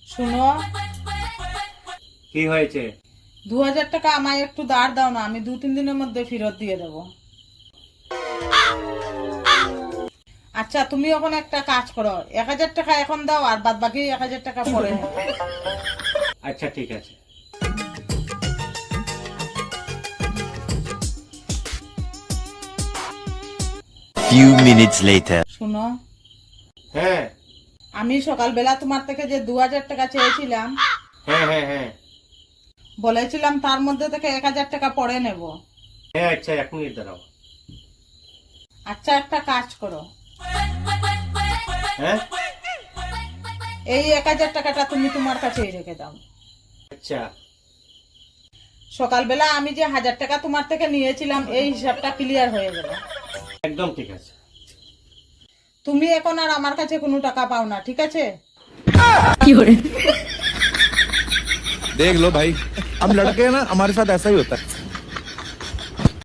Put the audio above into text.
শুনো, কি হয়েছে? 2000 টাকা আমায় একটু ধার দাও না, আমি 2-3 দিনের মধ্যে ফেরত দিয়ে দেবো। আচ্ছা, তুমি এখন একটা কাজ করো, 1000 টাকা এখন দাও আর বাদ বাকি 1000 টাকা পরে নেবো। আচ্ছা ঠিক আছে। Few minutes later. শুনো, হ্যাঁ আমি সকালবেলা তোমার থেকে যে 2000 টাকা চেয়েছিলাম, হ্যাঁ হ্যাঁ হ্যাঁ বলেছিলাম তার মধ্যে থেকে 1000 টাকা পরে নেব। হ্যাঁ আচ্ছা, 1 মিনিট দাঁড়াও। আচ্ছা, একটা কাজ করো, হ্যাঁ এই 1000 টাকাটা তুমি তোমার কাছেই রেখে দাও। আচ্ছা সকালবেলা আমি যে 1000 টাকা তোমার থেকে নিয়েছিলাম, এই হিসাবটা ক্লিয়ার হয়ে গেল। একদম ঠিক আছে। তুমি এখন আর আমার কাছে কোনো টাকা পাও না, ঠিক আছে? देख लो भाई, हम लड़के हैं ना, हमारे साथ ऐसा ही होता है।